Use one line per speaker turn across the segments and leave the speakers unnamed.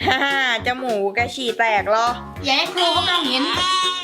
ฮ่าจมูกกระฉี่แตกเหรอ
อย่าให้ครูเขามาเห็น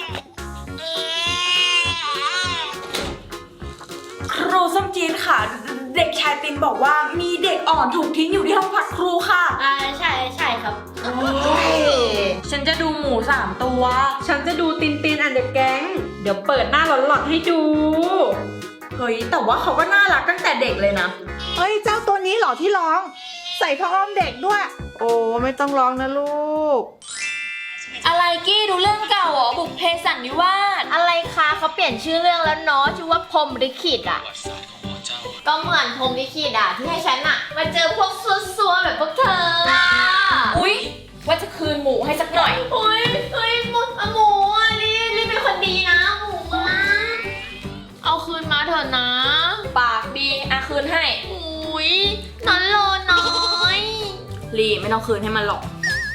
ครูส้มจีนค่ะเด็กชายตินบอกว่ามีเด็กอ่อนถูกทิ้งอยู่ที่ห้องพักครูค่ะ
ใช่ครับ
ฉันจะดูหมู3 ตัว
ฉันจะดูตินตินอันเดอร์แก๊งเดี๋ยวเปิดหน้าหลอนๆให้ดู
เฮ้ยแต่ว่าเขาก็น่ารักตั้งแต่เด็กเลยนะ
เฮ้ยเจ้าตัวนี้เหรอที่ร้องใส่ผ้าอ้อมเด็กด้วยโอ้ไม่ต้องร้องนะลูก
อะไรกี้ดูเรื่องเก่าเหรอบุพเพสันนิวาสอะไรคะเขาเปลี่ยนชื่อเรื่องแล้วเนาะชื่อว่าพรหมลิขิตอ่ะก็เหมือนพรหมลิขิตอ่ะที่ให้ฉันอ่ะมาเจอพวกซัวๆแบบพวกเธอ
อุ๊ยว่าจะคืนหมูให้สักหน่อย
เฮ้ยหมูอ่ะรีบเป็นคนดีนะหมูอ่ะเอาคืนมาเถอะนะ
ปากดีอะคืนให้
อุ๊ยนอนโลน้อย
ลีไม่ต้องคืนให้มันหรอก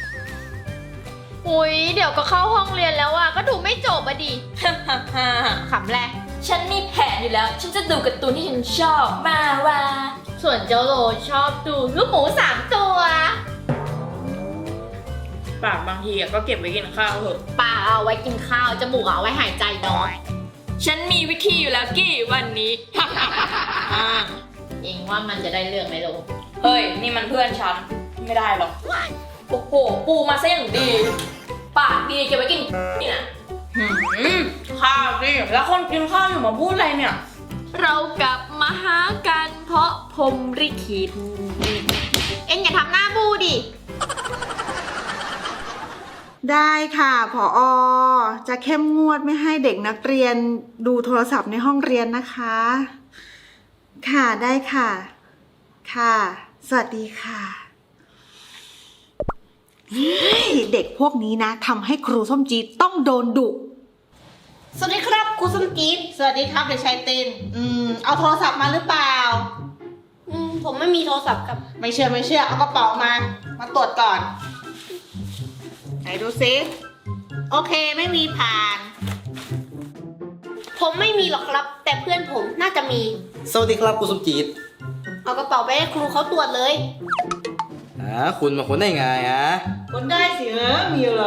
อุ๊ยเดี๋ยวก็เข้าห้องเรียนแล้วอ่ะก็ดูไม่จบอ่ะดิขำแหละ
ฉันมีแผนอยู่แล้วฉันจะดูการ์ตูนที่ฉันชอบมาว่า
ส่วนเจ้าโลชอบดูลูกหมู3 ตัว
ปากบางทีก็เก็บไว้กินข้าวเถอะ
ปากเอาไว้กินข้าวจมูกเอาไว้หายใจเนาะ
ฉันมีวิธีอยู่แล้วกี้วันนี้
เองว่ามันจะได้เรื่องไหมลูก
เฮ้ยนี่มันเพื่อนฉันไม่ได้หรอกโอ้โหปูมาซะอย่างดีปากดีเก็บไว้กินนี่นะข้าวดิแล้วคนกินข้าวอยู่มาพูดอะไรเนี่ย
เรากลับมาหากันเพราะพรหมลิขิตเอ็งอย่าทำหน้าบูดิ
ได้ค่ะผอ.จะเข้มงวดไม่ให้เด็กนักเรียนดูโทรศัพท์ในห้องเรียนนะคะค่ะได้ค่ะค่ะสวัสดีค่ะเด็กพวกนี้นะทำให้ครูส้มจี๊ดต้องโดนดุ
สวัสดีครับครูส้มจี๊ดสวัสดีครับเด็กชายตินเอาโทรศัพท์มาหรือเปล่า
ผมไม่มีโทรศัพท์ครับ
ไม่เชื่อเอากระเป๋ามาตรวจก่อนไหนดูซิโอเคไม่มีผ่าน
ผมไม่มีหรอกครับแต่เพื่อนผมน่าจะมี
สวัสดีครับครูส้มจี๊ด
เอากระเป๋าไปให้ครูเขาตรวจเลย
คุณมาค้นได้ไง
ค้นได้สิมีอะไร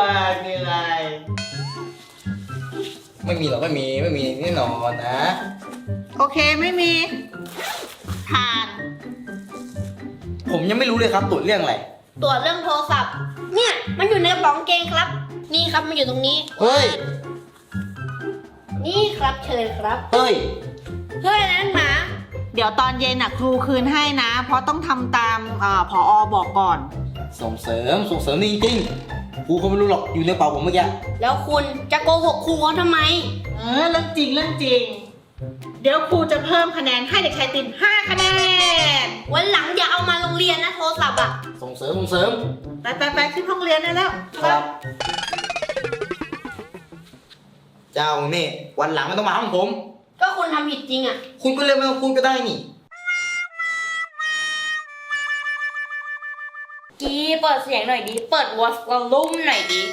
ไม่มีหรอกไม่มีแน่นอนนะ
โอเคไม่มีผ่าน
ผมยังไม่รู้เลยครับตรวจเรื่องอะไร
ตรวจเรื่องโทรศัพท์เนี่ยมันอยู่ในกระเป๋ากางเกงครับนี่ครับมันอยู่ตรงนี้
เฮ้ย
นี่ครับเชิญครับ
เฮ้ย
นั่นหมา
เดี๋ยวตอนเย็นครูคืนให้นะเพราะต้องทำตามผอ.บอกก่อน
ส่งเสริมนี่จริงครูเขาไม่รู้หรอกอยู่ในกระเป๋าผมเมื่อกี้
แล้วคุณจะโกหกครูเขาทำไม
เรื่องจริงเดี๋ยวครูจะเพิ่มคะแนนให้เด็กชายติน5 คะแนน
วันหลังอย่าเอามาโรงเรียนนะโทรศัพท์
ส่งเสริม
ไปขึ้นห้องเรียนได้แล้ว
ครับเจ้านี่วันหลังไม่ต้องมาห้องผม
ก็คุณทำผิดจริง
คุณก็เลยไม่ต้องพูดก็ได้นี่
กี้เปิดเสียงหน่อยดิเปิดวอลลุ่มหน่อยดิ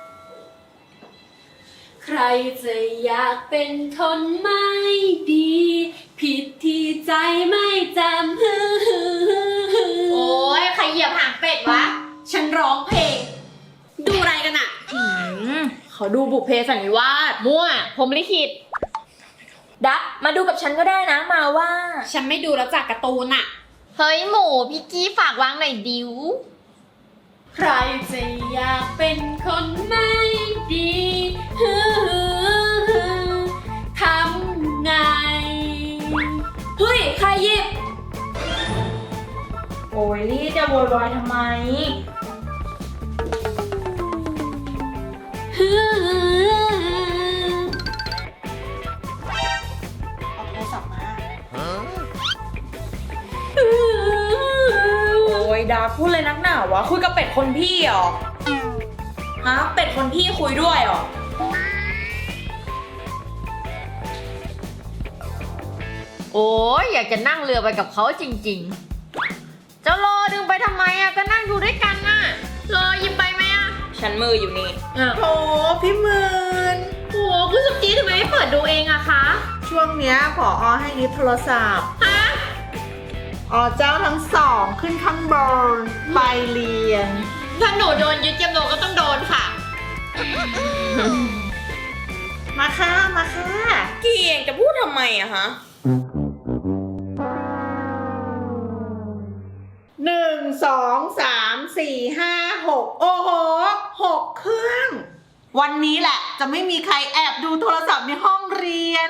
ใครจะอยากเป็นคนไม่ดีผิดที่ใจไม่จำโอ้ยใครเหยียบหางเป็ดวะฉันร้องเพลงดูอะไรกัน
เขาดูบุพเพสันนิวาส
มั่วพรหมลิขิต
ดักมาดูกับฉันก็ได้นะมาว่า
ฉันไม่ดูแล้วจากการ์ตูนเฮ้ยหมูพี่กี้ฝากวางหน่อยดิวใครจะอยากเป็นคนไม่ดีทำไง
เฮ้ยใครหยิบโอ้ยลี่จะโวยวายทำไม
เอาโทรศัพท์มา
โอ้ยดาพูดเลยนักหนาวะคุยกับเป็ดคนพี่เหรอฮะเป็ดคนพี่คุยด้วยเหรอ
โอ้ยอยากจะนั่งเรือไปกับเขาจริงๆเจ้ารอดึงไปทำไมก็นั่งดูด้วยกันรอยิ้มไปไหม
ฉันมืออยู่นี่
โถพี่หมื่น
โอ้คุณสุกี้ทำไมไม่เปิดดูเองคะ
ช่วงเนี้ยผอ.ให้ยึดโทรศัพท์เจ้าทั้ง2ขึ้นข้างบนไปเรียน
ถ้าหนูโดนยึดยำโลก็ต้องโดนค่ะ
มาค่ะ มาค่ะ
กี่เองจะพูดทำไมอะฮะ
1 2 3 4 5 6 โอ้โห 6 เครื่อง วันนี้แหละ จะไม่มีใครแอบดูโทรศัพท์ในห้องเรียน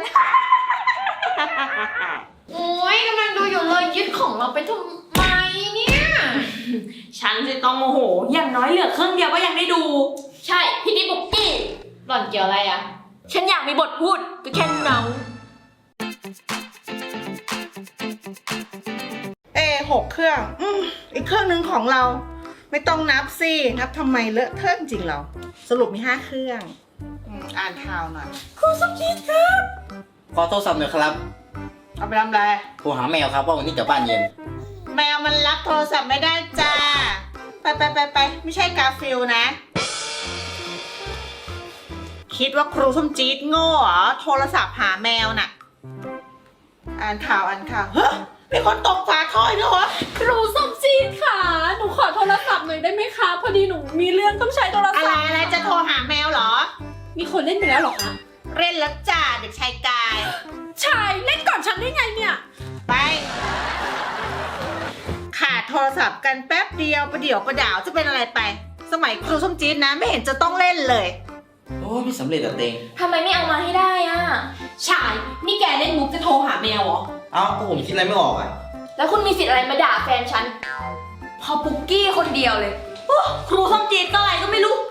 โอ้ยกำลังดูอยู่เลยยึดของเราไปทำไมเนี่ย
ฉันจะต้องโมโห อย่างน้อยเหลือเครื่องเดียวก็ยังได้ดู
ใช่พี่ดิบุกกี้หล่อนเกี่ยวอะไรอะ
ฉันอยากมีบทพูดก็แค่เนา
6 เครื่อง อีกเครื่องหนึ่งของเรา ไม่ต้องนับสิ นับทำไมเลอะเทอะจริงเรา สรุปมี 5 เครื่อง อ่านข่าวหน่อย
ขอโทรศัพท์หน่อยครับ
เอาไปทำอะไร
โทรหาแมวครับว่าวันนี้จะบ้านเย็น
แมวมันรับโทรศัพท์ไม่ได้จ้า ไป ไม่ใช่กาฟิลนะ คิดว่าครูส้มจี๊ดโง่เหรอ โทรศัพท์หาแมวน่ะ อ่านข่าว เฮ้ยมีคนตกฝาท่ออีกแล้วเหรอ
ครูส้มจีดค่ะ หนูขอโทรศัพท์หน่อยได้ไหมคะ พอดีหนูมีเรื่องต้องใช้โทรศัพท์
อะไรจะโทรหาแมวเหรอ
มีคนเล่นไปแล้วเหรอคะ
เล่นแล้วจ้าเด็กชายกาย
ชายเล่นก่อนฉันได้ไงเนี่ย
ไปขาดโทรศัพท์กันแป๊บเดียวประเดี๋ยวประดาวจะเป็นอะไรไป สมัยครูส้มจี๊ดนะไม่เห็นจะต้องเล่นเลย
โอ้ไม่สำเร็จอะเตง
ทำไมไม่เอามาให้ได้อะ
ชาย นี่แกเล่นมุกจะโทรหาแมวเหรอ
เอ้าก็ผมคิดอะไรไม่ออกอะ
แล้วคุณมีสิทธิ์อะไรมาด่าแฟนฉัน พอปุกกี้คนเดียวเลยโอ้ครูส้มจีดก็อะไรก็ไม่รู้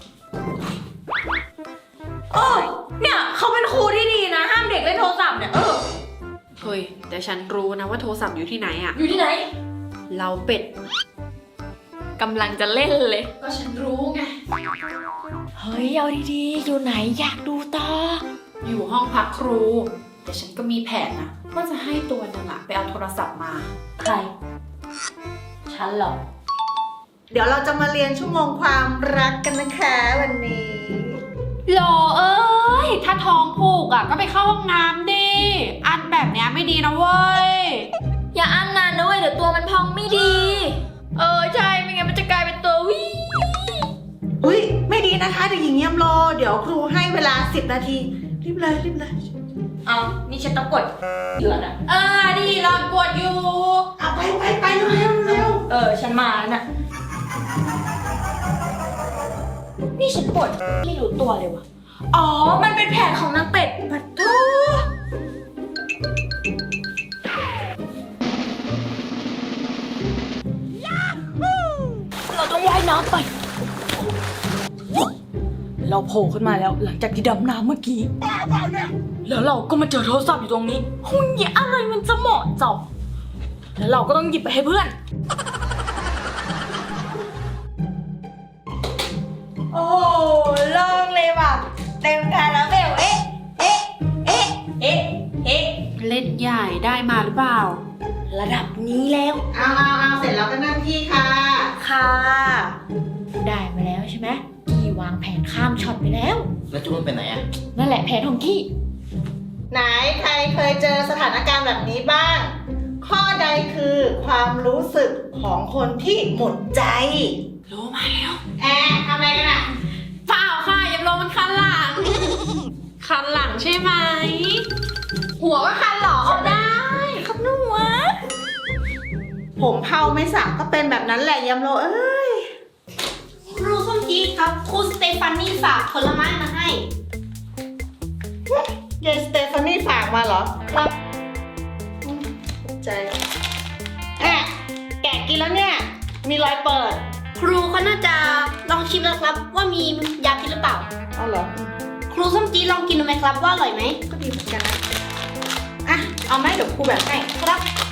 เนี่ยเขาเป็นครูที่ดีนะ ห้ามเด็กเล่นโทรศัพท์เนี่ย
เฮ้ย แต่ฉันรู้นะว่าโทรศัพท์อยู่ที่ไหนอะ
อยู่ที่ไหน
เราเป็ด
กำลังจะเล่นเลย
ก็ฉันรู้ไง
เฮ้ย เอาดีๆ อยู่ไหนอยากดูต่อ
อยู่ห้องพักครู แต่ฉันก็มีแผนนะว่าจะให้ตัวนึงอะไปเอาโทรศัพท์มา
ใคร ฉันเหรอ
เดี๋ยวเราจะมาเรียนชั่วโมงความรักกันนะคะวันนี้
โหลเอ้ย ถ้าท้องผูกอะก็ไปเข้าห้องน้ำดิ อันแบบเนี้ยไม่ดีนะเว้ย
อย่าอั้นนานนะเว้ยเดี๋ยวตัวมันพองไม่ดี ใช่ ไม่งั้นมันจะกลายเป็นตัววิ
อุ้ยไม่ดีนะคะเด็กหญิงเยี่ยมโล เดี๋ยวครูให้เวลา10 นาที รีบเลย
เอานี่ฉันต้องกดเหลือนะ
ดีรอนปวดอยู่
เอาไปเร็ว
ฉันมาแล้วน่ะ นี่ฉันปวดไม่รู้ตัวเลยวะอ๋อ มันเป็นแผนของนางเป็ดปัดโตเราต้องว่ายน้ำไป เราโผล่ขึ้นมาแล้วหลังจากที่ดำน้ำเมื่อกี้ แล้วเราก็มาเจอโทรศัพท์อยู่ตรงนี้หุ่นเหี้ยอะไรมันจะเหมาะเจาะแล้วเราก็ต้องหยิบไปให้เพื่อน โอ้โล่งเลยว่ะ เต็มคาราเบล
เล่นใหญ่ได้มาหรือเปล่า
ระดับนี้แล้ว
เอาเสร็จแล้วก็นั่งที่ค่ะ
ค่ะ ได้มาแล้วใช่ไหมกี้วางแผนข้ามช็อตไปแล้ว
แล้วจุ๊บมันไปไหนอะ
นั่นแหละแผนของกี้
ไหนใครเคยเจอสถานการณ์แบบนี้บ้าง ข้อใดคือความรู้สึกของคนที่หมดใจ
รู้มาแล้ว
ทำอะไรกันอ่ะ
เปล่าค่ะยำโลมันคันหลัง คันหลังใช่ไหม หัวก็คันเหรอได้
ครับหนูวะ
ผมเผาไม่สักก็เป็นแบบนั้นแหละยำโลเอ้ย
ครูส้มจี๊ดครับครูสเตฟานี่ฝากผลไม้มาให้
เยสเตฟานี่ฝากมาเหรอ
ครับ
ใจแกะกินแล้วเนี่ย มีรอยเปิด
ครูเขาน่าจะลองชิมแล้วครับ ว่ามียาพิษหรือเปล่า
เอาเหรอ
ครูส้มจี๊ดลองกินดูไหมครับว่าอร่อยไหม
ก็ดีเหมือนกันนะ เอาไหมเดี๋ยวครูแบ่งให้
ครับ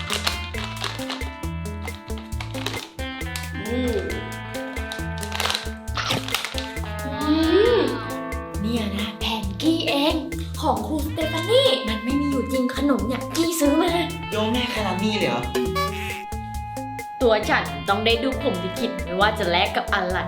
เนี่ยนะแผนกี้เอง ของครูสเตฟานี่มันไม่มีอยู่จริงขนมเนี่ยกี้ซื้อมา
โยมแม่ขนาดนี้เลยเหรอ
ตัวฉันต้องได้ดูผมลิขิตไม่ว่าจะแลกกับอะไร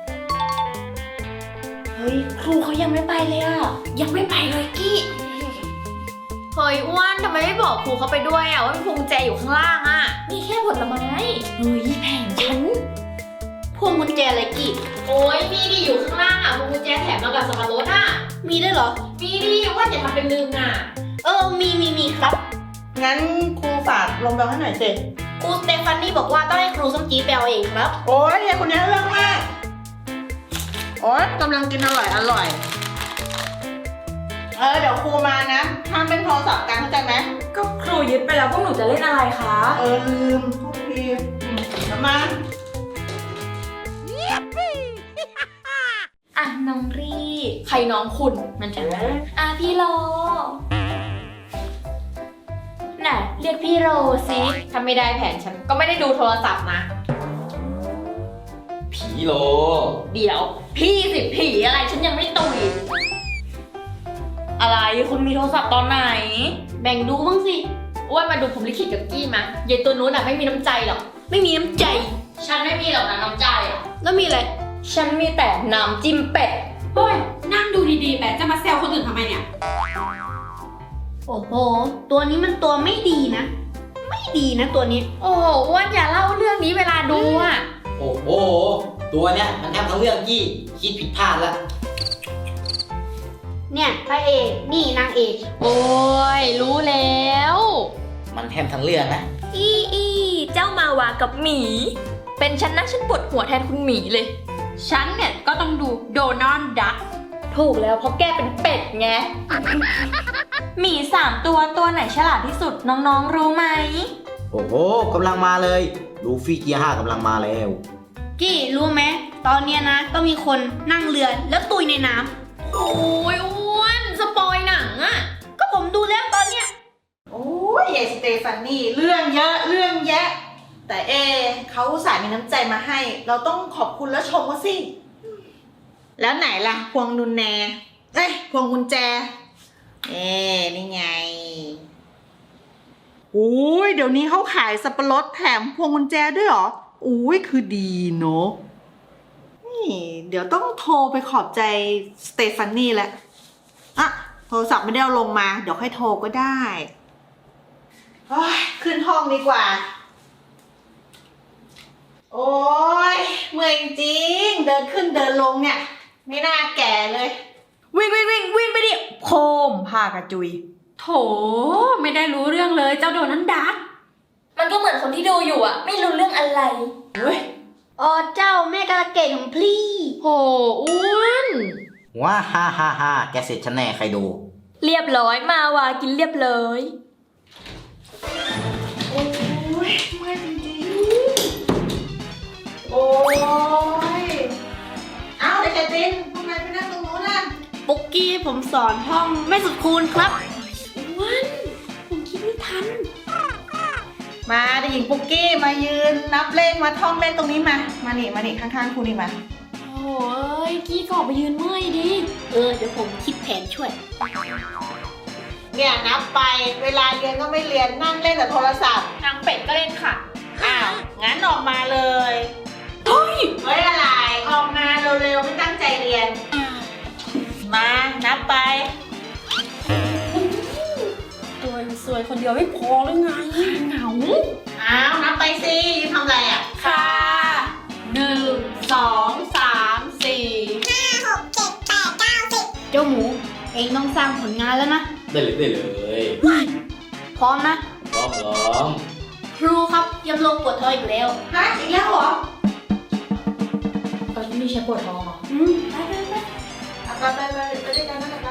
เฮ้ย ครูเขายังไม่ไปเลยอะยังไม่ไปเลยกี้เฮ้ยอ้วนทำไมไม่บอกครูเขาไปด้วยอะว่ามีพวงกุญแจอยู่ข้างล่างอะนี่แค่ผลไม้เฮ้ยแผนฉัน
พวงกุญแจอะไรกี่
โอ้ยมีดิอยู่ข้างล่างอ่ะพวงกุญแจแถมมากับสับปะรดอ่ะ
มีได้วยเหรอ
มีดิว่าจะทำเป็นลืมน่ะ
มีครับ
งั้นครูฝากลงแบลให้หน่อยสิ
ครูสเตฟานี่บอกว่าต้องให้ครูส้มจี๊ดไปเอาเองครับ
โอ้ยยายคนนี้เรื่องมาก โอ้ยกำลังกินอร่อย เดี๋ยวครูมานะห้ามเป็นโทรศัพท์กันเข้าใจไหม
ก็ครูยึดไปแล้วพวกหนูจะเล่นอะไรคะ
ลืมโทษทีเดี๋ยวมา
อ่ะน้องรีใครน้องคุณมันจะอ่ะพี่โลน่ะเรียกพี่โรสิถ้าไม่ได้แผนฉันก็ไม่ได้ดูโทรศัพท์นะ
ผีโล
เดี๋ยวพี่สิผีอะไรฉันยังไม่ตุยอะไรคุณมีโทรศัพท์ตอนไหน
แบ่งดูบ้างสิ
อ้วนมาดูผมลิขิตกับกี้มะยายตัวนู้นอ่ะไม่มีน้ำใจหรอก
ไม่มีน้ำใจ
ฉันไม่มีหรอกนะน้ำใจอ่ะ
แล้วมีอะไร
ฉันมีแต่น้ำจิ้มเป็ด
โอ้ยนั่งดูดีๆแบบจะมาแซวคนอื่นทำไมเนี่ย
โอ้โห ตัวนี้มันตัวไม่ดีนะ ไม่ดีนะตัวนี้
โอ้โหอ้วนอย่าเล่าเรื่องนี้เวลาดูอ่ะ
โอ้โห ตัวเนี้ยมันแทบทั้งเรื่องกี้คิดผิดพลาดละ
เนี่ยพระเอกนี่นางเอก
โอ้ยรู้แล้ว
มันแทบทั้งเรื่องนะ
อีเจ้ามาวากับหมี เป็นฉันนะฉันปวดหัวแทนคุณหมีเลย
ฉันเนี่ยก็ต้องดูโดนัลด์ดัก
ถูกแล้วเพราะแกเป็นเป็ดไง หมี3ตัวไหนฉลาดที่สุดน้องๆรู้ไหม
โอ้โหกำลังมาเลยลูฟี่เกียร์5กำลังมาแล้ว
กี้รู้ไหมตอนเนี้ยนะก็มีคนนั่งเรือแล้วตุยในน้ำ
โอ้ยอ้วนสปอยหนังอะ
ก็ผมดูแล้วตอนเนี้ย
โอ้ยยายสเตฟานี่เรื่องเยอะเรื่องแยะ แต่เขาอุตส่าห์มีน้ำใจมาให้ เราต้องขอบคุณและชมเขาสิ แล้วไหนล่ะ พวงนุนแนพวงกุญแจ นี่ไงโอ้ยเดี๋ยวนี้เขาขายสับปะรดแถมพวงกุญแจด้วยเหรออุ้ยคือดีเนาะนี่เดี๋ยวต้องโทรไปขอบใจสเตฟานี่แหละอ่ะโทรศัพท์ไม่ได้เอาลงมา เดี๋ยวค่อยโทรก็ได้โอ้ยขึ้นห้องดีกว่า โอ้ยเมื่อยจริง เดินขึ้นเดินลงเนี่ย ไม่น่าแก่เลย
วิ่งไปดิโคมพากระจุย
โถไม่ได้รู้เรื่องเลยเจ้าโดนัลด์ดัก
มันก็เหมือนคนที่ดูอยู่อะไม่รู้เรื่องอะไร
อ๋อเจ้าแม่กระเกดของพลี่
โหอ้วน
ว้าฮ่าแกเสร็จฉันแน่ใครดู
เรียบร้อยมาวากินเรียบร้อย
โอ้ยเมื่อยจริงๆโอ้ยเอาเด็กแกตินทำไมไปนั่งตรงนู้นน่ะ
ปุกกี้ผมสอนท่องไม่สุดคูณครับ
มาเด็กหญิงปุกกี้มายืนนับเลขมาท่องเลขตรงนี้มานี่ข้างๆครูนี่มา
โอ้ยกี้ก็ออกไปยืนเมื่อยดิ
เดี๋ยวผมคิดแผนช่วย
เนี่ยนับไปเวลาเรียนก็ไม่เรียนนั่งเล่นแต่โทรศัพท์
นางเป็ดก็เล่นค่ะ
อ้าวงั้นออกมาเลยเฮ้ยอะไรออกมาเร็วๆไม่ตั้งใจเรียน มานับไป
ตัวสวยคนเดียวไม่พอหรือไงเหงา
อ้าวนับไปสิยืนทำอะไรอ่ะ
ค่ะ1 2 3 4
เจ้าหมู เองต้องสร้างผลงานแล้วนะ
ได้เลย
พร้อมนะ
พร้อม
ครูครับยำลงปวดท้องอีกแล้ว
ฮะอีกแล้วเหรอ
ตอนนี้มีฉันปวดท้องเหรอ
ไปด้วยกันนะครับ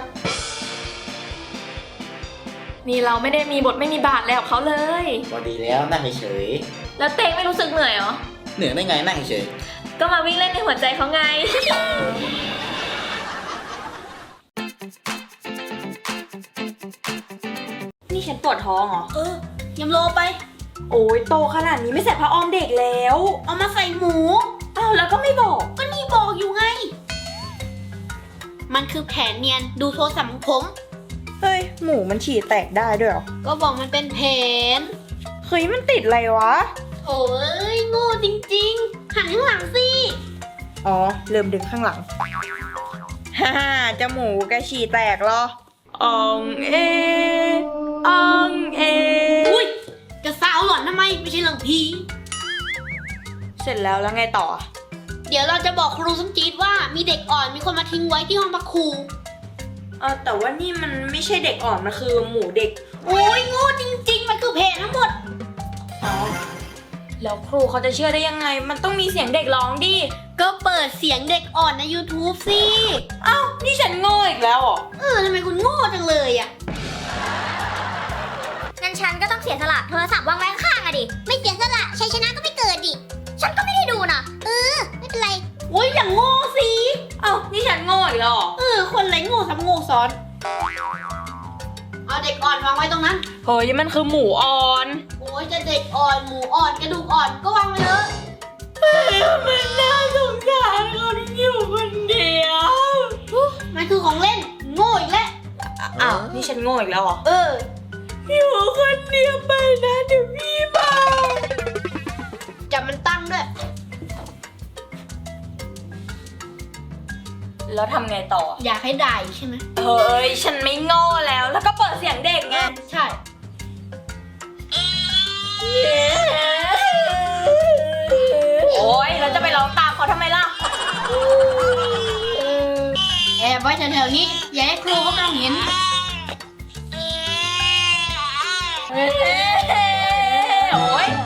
นี่เราไม่ได้มีบทไม่มีบาทแล้วเขาเลย
พอดีแล้วนั่งเฉย
แล้วเตงไม่รู้สึกเหนื่อยเหรอ
ๆเหนื่อยได้ไงนั่งเฉย
ก็มาวิ่งเล่นในหัวใจเขาไง นี่ฉันปวดท้องเหรอ
ยำโลไป
โอ้ยโตขนาดนี้ไม่ใส่ผ้าอ้อมเด็กแล้ว
เอามาใส่หมู
อ้าวแล้วก็ไม่บอก
ก็นี่บอกอยู่ไง มันคือแผนเนียนดูโทรศัพท์ของผม
เฮ้ย หมูมันฉี่แตกได้ด้วยเหรอ
ก็บอกมันเป็นแผน
เฮ้ยมันติดอะไรวะ
โถ่เอ้ยโง่จริงๆ หันข้างหลังสิ
อ๋อเริ่มดึงข้างหลัง ฮ่าจมูกแกฉี่แตกเหรออองเออองเอ
อุ้ยจะสาวหล่อนทำไมไม่ใช่เรื่องผี
เสร็จแล้วไงต่อ
ดี๋ยวเราจะบอกครูสมจีดว่ามีเด็กอ่อนมีคนมาทิ้งไว้ที่ห้องพักครู
แต่ว่านี่มันไม่ใช่เด็กอ่อน มันคือหมูเด็ก
โอ้ยโง่จริงๆ มันคือเพจทั้งหมด
แล้วครูเขาจะเชื่อได้ยังไง มันต้องมีเสียงเด็กร้องดิ
ก็เปิดเสียงเด็กอ่อนใน YouTube สิ
นี่ฉันโง่อีกแล้วเหรอ
ทำไมคุณโง่จังเลยอ่ะ
งั้นฉันก็ต้องเสียสละโทรศัพท์วางไว้ข้างๆอะดิ ไม่เสียสละชัยชนะก็ไม่เกิดดิ ฉันก็ไม่ได้ดูนะไม่เป็นไร
โอ้ยอย่างโง่สิ
นี่ฉันโง่อีกแล้วเหรอ
คนไรโง่ทำโง่ซ้อน เอาเด็กอ่อนวางไว้ตรงนั้น
เฮ้ย มันคือหมูอ่อน
โอ้ยจะเด็กอ่อนหมูอ่อนกระดูกอ่อนก็วางไว้เลย
มันน่าสงสารคนอยู่คนเดียว
มันคือของเล่นโง่อีกแล้ว
นี่ฉันโง่อีกแล้วเหรอ
อยู่คนเดียวไปนะเดี๋ยวพี่มาจับมันตั้งด้วย
แล้วทำไงต่อ
อยากให้ได้ใช่ไหม
เฮ้ย ฉันไม่โง่แล้ว แล้วก็เปิดเสียงเด็กไง
ใช่
โอ๊ย เราจะไปร้องตามเขาทำไมล่ะ
แอบไว้แถวๆนี้ อย่าให้ครูเขามองเห็น
โอ๊ย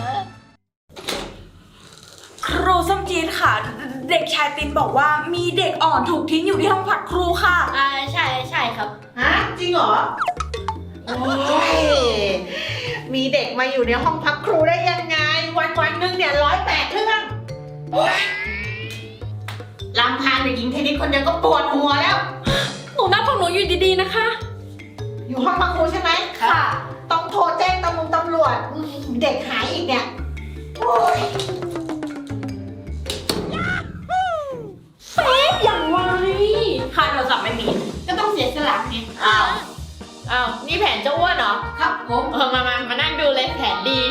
ครูส้มจีนค่ะ เด็กชายตินบอกว่ามีเด็กอ่อนถูกทิ้งอยู่ที่ห้องพักครูค่ะ
ใช่ครับ
ฮะ จริงเหรอ โอ้ย มีเด็กมาอยู่ในห้องพักครูได้ยังไง วันๆนึงเนี่ย108 เรื่องลำพังเด็กหญิงเทนนิสคนเดียวก็ปวดหัวแล้ว
หนูนั่งของหนูอยู่ดีๆนะคะ
อยู่ห้องพักครูใช่ไหม
ค่ะ
ต้องโทรแจ้งตำรวจเด็กหายอีกเนี่ย โอ้ย
อย่างไว
ค่าโทรศัพท์ไม่มี
ก็ต้องเสียสละไง
อ้าว นี่แผนเจ้าอ้วนเหรอ
ครับผม
มานั่งดูเลยแผนดี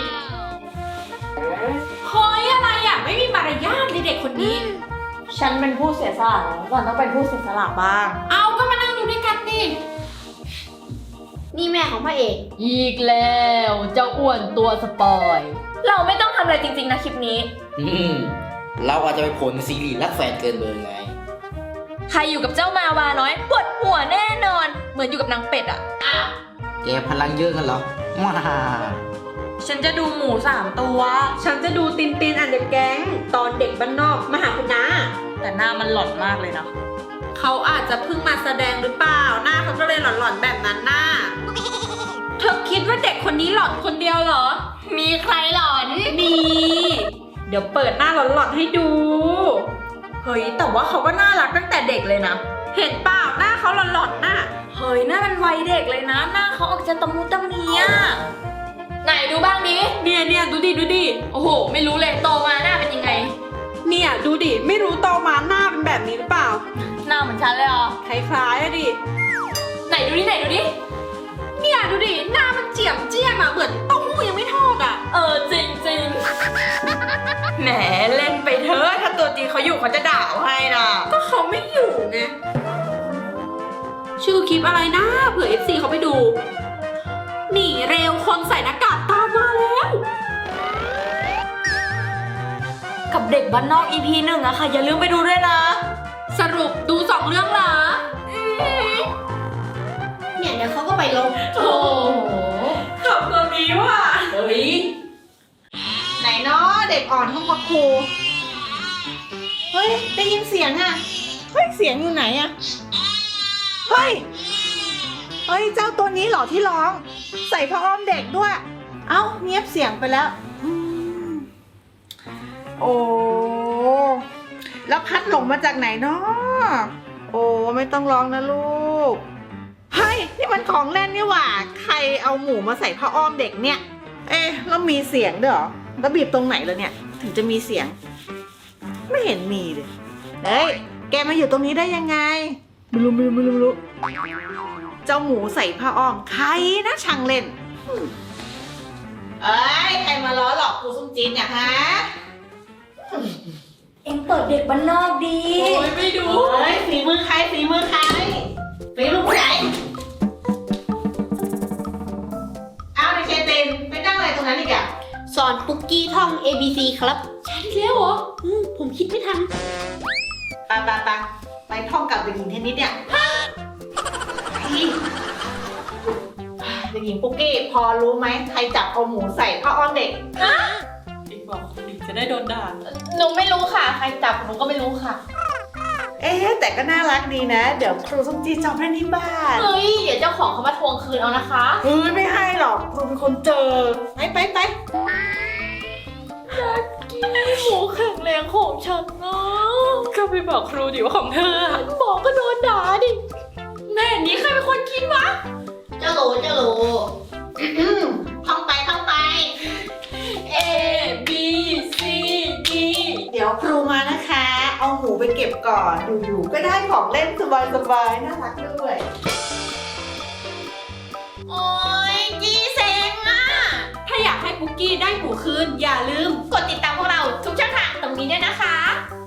เฮ้ยอะไรอ่ะ ไม่มีมารยาทเลยเด็กคนนี้
ฉันเป็นผู้เสียสละก่อนต้องเป็นผู้เสียสละบ้าง
เอาก็มานั่งดูด้วยกันดิ
นี่แม่ของพระเอก
อีกแล้วเจ้าอ้วนตัวสปอย
เราไม่ต้องทำอะไรจริงๆนะคลิปนี้
เราอาจจะไปผลซีรีส์รักแฟนเกินเบอร์ไง
ใครอยู่กับเจ้ามาวาน้อยปวดหัวแน่นอน เหมือนอยู่กับนางเป็ดอ่ะ
แกพลังเยอะกันเหรอว้า
ฉันจะดูหมู3 ตัว
ฉันจะดูตินตินอันเดอร์แก๊งตอนเด็กบ้านนอกมาหาคุณน้า
แต่หน้ามันหล่อนมากเลยนะ
เขาอาจจะเพิ่งมาแสดงหรือเปล่า หน้าเขาก็เลยหลอนๆแบบนั้นน่ะเธอคิดว่าเด็กคนนี้หลอนคนเดียวเหรอ
มีใครหล่อน
มี เดี๋ยวเปิดหน้าหลอนๆให้ดู
เฮ้ย แต่ว่าเขาก็น่ารักตั้งแต่เด็กเลยนะ
เห็นเปล่าหน้าเขาหลอนๆน่ะ
เฮ้ยหน้ามันวัยเด็กเลยนะ หน้าเขาออกจะตะมุตะมีอะไหนดูบ้างดิ
เนี่ยดูดิ
โอ้โห ไม่รู้เลยโตมาหน้าเป็นยังไง
เนี่ยดูดิ ไม่รู้โตมาหน้าเป็นแบบนี้หรือเปล่า
หน้าเหมือนฉันเลยเหรอ
คล้ายๆอะดิ
ไหนดูดิ
เนี่ยดูดิ หน้ามันเจียมเจี้ยมอะเหมือนเต้าหู้ยังไม่ทอดอะ
จริงแหมเล่นไปเถอะถ้าตัวจริงเขาอยู่เขาจะด่าเอาให้นะ
ก็เขาไม่อยู่ไง ชื่อคลิปอะไรนะเผื่อ FC เขาไปดู หนีเร็วคนใส่หน้ากากตามมาแล้ว
กับเด็กบ้านนอก EP 1อะค่ะ อย่าลืมไปดูด้วยนะ
สรุปดู2 เรื่องเหรอ
เนี่ยเดี๋ยวเขาก็ไปลง
โอ้โห
ขับตัวนี้ว่ะ
เฮ้ย
ไหนเนาะเด็กอ่อนห้องพักครู เฮ้ย ได้ยินเสียงอะเฮ้ย เสียงอยู่ไหนอะเฮ้ย เฮ้ย เจ้าตัวนี้เหรอที่ร้อง ใส่ผ้าอ้อมเด็กด้วย เอ้าเงียบเสียงไปแล้วโอ้แล้วพัดหลงมาจากไหนเนาะโอ้ไม่ต้องร้องนะลูก เฮ้ย นี่มันของเล่นนี่หว่า ใครเอาหมูมาใส่ผ้าอ้อมเด็กเนี่ย เอ๊ะแล้วมีเสียงด้วยเหรอแล้วบีบตรงไหนแล้วเนี่ย ถึงจะมีเสียง ไม่เห็นมีเลยเฮ้ย แกมาอยู่ตรงนี้ได้ยังไงไม่รู้เจ้าหมูใส่ผ้าอ้อมใครนะช่างเล่นเอ้ยใครมาล้อหลอกครูส้มจีนเนี่ยฮะ
เอ็งเปิดเด็กบ้านนอกดี
โอ้ยไม่ดู
เฮ้ยฝีมือใครฝีมือใครฝีมือผู้ใหญ่เอาในเคเตนไปนั่งอะไรตรงนั้นอีกอะ
สอนปุกกี้ท่อง ABC ครับ
ใช่แล้วเหรอ
ผมคิดไม่ทัน
ไปท่องกับเด็กหญิงเทนนิสเนี่ยเด็กหญิงปุ๊กกี้พอรู้ไหมใครจับเอาหมูใส่ผ้าอ้อมเด็ก
อีกบอกคนอื่นจะได้โดนด่าหนูไม่รู้ค่ะ ใครจับหนูก็ไม่รู้ค่ะ
แต่ก็น่ารักดีนะ เดี๋ยวครูส้มจีจอบเล่นที่บ้าน
เฮ้ย เดี๋ยวเจ้าของเขามาทวงคืนเอานะคะ
เฮ้ยไม่ให้หรอกครูเป็นคนเจอไป
หมูแข็งแรงของฉันนะก็ไปบอกครูดิว่าของเธออะบอกก็โดนด่าดิ แม่นี้ใครเป็นคนคิดวะ
เจ้าโหลท่องไป
A B C D
เดี๋ยวครูมานะคะ เอาหมูไปเก็บก่อนอยู่ๆก็ได้ของเล่นสบายๆน่ารักด้วย
โอ้ยจีเซ็งอ่ะ
ถ้าอยากให้ปุกกี้ได้หมูคืน อย่าลืม
กดติดตามพวกเราทุกช่องทางตรงนี้ด้วยนะคะ